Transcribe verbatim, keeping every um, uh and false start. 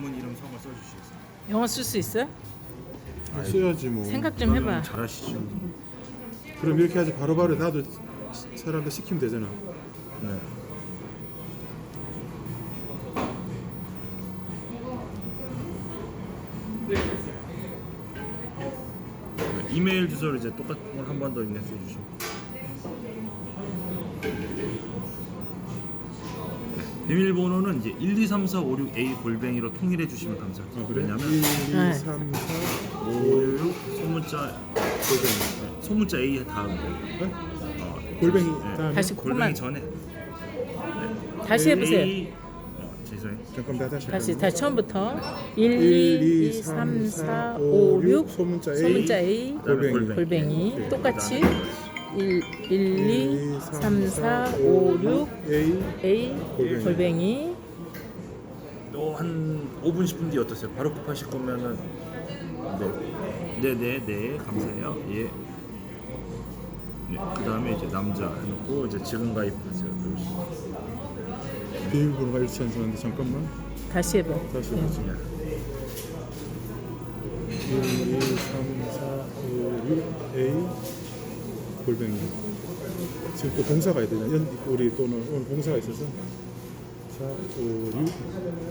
전문 이름 성을 써주시겠어요? 영어 쓸 수 있어요? 아, 써야지 뭐. 생각 좀 해봐. 잘하시죠. 그럼 이렇게 하지 바로바로 나도 사람들 시키면 되잖아. 네. 네, 이메일 주소를 이제 똑같은 걸 한 번 더 입력해 주시고. 비밀번호는 이제 일, 이, 삼, 사, 오, 육, 에이 골뱅이로 통일해 주시면 감사하죠. 아, 그래? 왜냐면 일, 이, 네. 삼, 사, 오, 육 소문자 골뱅이. 소문자 A의 다음 네? 어, 골뱅이 네. 다음에 다시 골뱅이 코만 전에 다시 해보세요. A, 어, 죄송해요. 잠깐 나 다시 다시 할까요? 다시 처음부터 일, 이, 이, 삼, 사, 오, 육 소문자 A, 소문자 A 그다음에 골뱅이. 골뱅이 네. 똑같이 일, 일, 이, 삼, 사, 오, 육 A A 골뱅이. 골뱅이 또한 오 분 십 분 뒤 어떠세요? 바로 급하실 거면은 네, 네, 네, 네, 감사해요. 예. 네, 그 다음에 이제 남자 해놓고 이제 지금 가입하세요. 누르시고. 비밀번호가 일치 안 서는데 잠깐만 다시 해봐. 다시 네. 해보지. 일, 이, 삼, 사, 오, 육 A 골뱅이. 지금 또 봉사가 있야 되냐? 연, 우리 또는 오늘 봉사가 있어서 사, 오, 육